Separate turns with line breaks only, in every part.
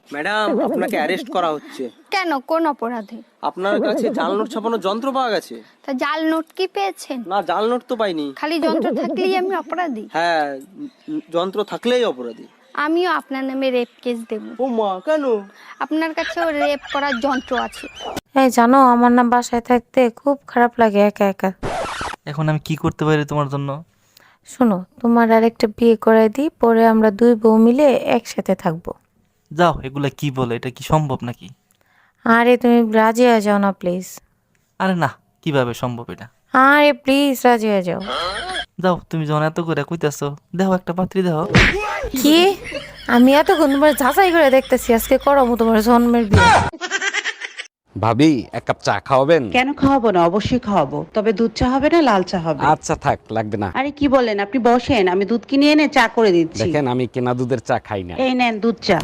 Madam, আপনাকে arrest করা হচ্ছে।
কেন, কোন অপরাধে?
আপনার কাছে জাল নোট ছাপানোর যন্ত্র পাওয়া গেছে।
তা জাল নোট কি পেয়েছেন?
না, জাল নোট তো পাইনি।
খালি যন্ত্র থাকলেই আমি অপরাধী?
হ্যাঁ, যন্ত্র থাকলেই অপরাধী।
আমিও আপনার নামে রেপ কেস দেব।
ও মা, কেন?
আপনার কাছেও রেপ করার যন্ত্র আছে।
এই জানো, আমার না বাসায় থাকতে খুব খারাপ লাগে একা একা।
এখন আমি কি করতে পারি তোমার জন্য?
শোনো, তোমার আরেকটা বিয়ে করাই দিই, পরে আমরা দুই বউ মিলে একসাথে থাকবো।
যাও, এগুলা কি বলে? এটা কি সম্ভব নাকি?
আরে তুমি রাজি হয়ে যাও না প্লিজ।
আরে না, কিভাবে সম্ভব এটা?
আরে প্লিজ রাজি হয়ে যাও।
যাও, তুমি যখন এত করে কইতাছো, দেখো একটা পাত্রী দেখো।
কি? আমি এতক্ষণ তোমার যাচাই করে দেখতেছি, আজকে করবো তোমার জন্মের বিয়ে।
ভাবি, এক কাপ চা খাওয়াবেন?
কেন খাওয়াবো না, অবশ্যই খাওয়াবো, তবে দুধ চা হবে না লাল চা হবে।
আচ্ছা থাক, লাগবে না।
আরে কি বলেন, আপনি বসেন, আমি দুধ কিনে এনে চা করে দিচ্ছি।
দেখেন, আমি কেনা দুধের চা খাই না।
এই নেন দুধ চা।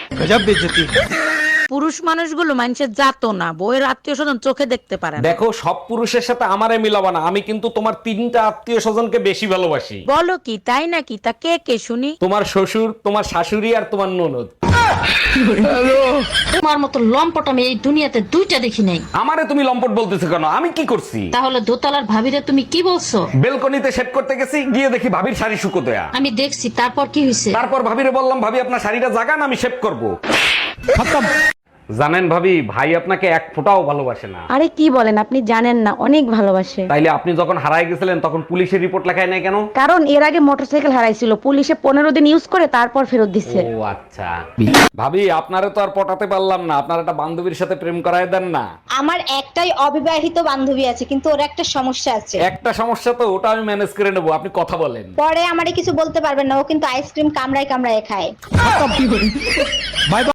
পুরুষ মানুষগুলো মানুষের জাতো না, বউয়ের আত্মীয় স্বজন চোখে দেখতে পারে না।
দেখো, সব পুরুষের সাথে আমারে মিলাবো না। আমি কিন্তু তোমার 3টা আত্মীয় স্বজনকে বেশি ভালোবাসি।
বলো কি, তাই নাকি? তা কে কে শুনি?
তোমার শ্বশুর, তোমার শাশুড়ি আর তোমার ননদ।
তোমার মতো লম্পট আমি এই দুনিয়াতে দুইটা দেখি নাই।
আমারে তুমি লম্পট বলতেছো কেন? আমি কি করছি?
তাহলে দোতলার ভাবিরে তুমি কি বলছো?
বেলকনিতে শেভ করতে গেছি, গিয়ে দেখি ভাবির শাড়ি শুকোতেয়া।
আমি দেখছি, তারপর কি হয়েছে?
তারপর ভাবিরে বললাম, ভাবি আপনার শাড়িটা জাগান, আমি শেভ করব। জানেন ভাবি, ভাই আপনাকে এক ফোঁটাও ভালোবাসে না।
আরে কি বলেন, আপনি জানেন না, অনেক ভালোবাসে।
তাইলে আপনি যখন হারায় গেছিলেন তখন পুলিশের রিপোর্ট লেখায় নাই কেন?
কারণ এর আগে মোটরসাইকেল হারাইছিল, পুলিশে 15 দিন ইউজ করে তারপর ফেরত দিচ্ছে।
ও আচ্ছা। ভাবি, আপনারে তো আর পটাতে পারলাম না, আপনার একটা বান্ধবীর সাথে প্রেম করায় দেন না।
আমার একটাই অবিবাহিত বান্ধবী আছে, কিন্তু ওর একটা সমস্যা আছে।
একটা সমস্যা তো, ওটা আমি ম্যানেজ করে নেবো, আপনি কথা বলেন।
পরে আমারে কিছু বলতে পারবেন না, ও কিন্তু আইসক্রিম কামড়ায় কামড়ায় খায়।